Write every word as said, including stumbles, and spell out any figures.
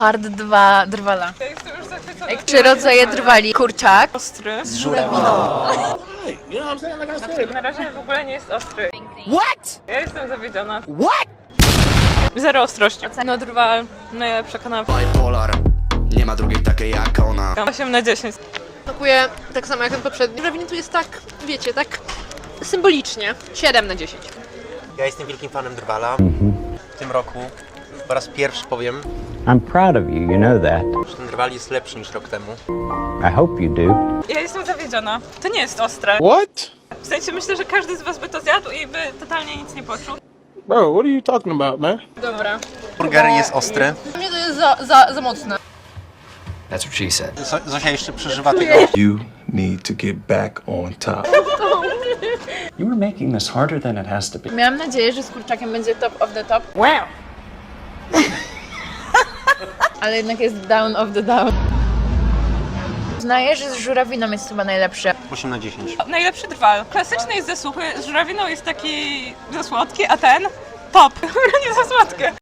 Hard dwa drwala. Ja jestem już zachwycona. Jak trzy rodzaje drwali. Kurczak. Ostry. Z żurawiną. Na razie w ogóle nie jest ostry. What? Ja jestem zawiedziona. What? Zero ostrości. No drwal, najlepsza kanapka. Bipolar, nie ma drugiej takiej jak ona. osiem na dziesięć. Smakuje tak samo jak ten poprzedni. Żurawiny tu jest tak, wiecie, tak symbolicznie. siedem na dziesięć. Ja jestem wielkim fanem Drwala. W tym roku po raz pierwszy powiem, I'm proud of you, you know that. że ten Drwal jest lepszy niż rok temu. I hope you do. Ja jestem zawiedziona. To nie jest ostre. What? W sensie myślę, że każdy z was by to zjadł i by totalnie nic nie poczuł. Bro, what are you talking about, man? Dobra. Burger jest ostry. Dla mnie to jest za, za, za mocne. That's what she said. Zo- Zosia jeszcze przeżywa tego. You need to get back on top. You were making this harder than it has to be. Miałam nadzieję, że z kurczakiem będzie top of the top. Wow! Ale jednak jest down of the down. Uznaję, że z żurawiną jest chyba najlepsze. osiem na dziesięć. Najlepszy drwal. Klasyczny jest za suchy, z żurawiną jest taki za słodki, a ten top. Nie za słodkie.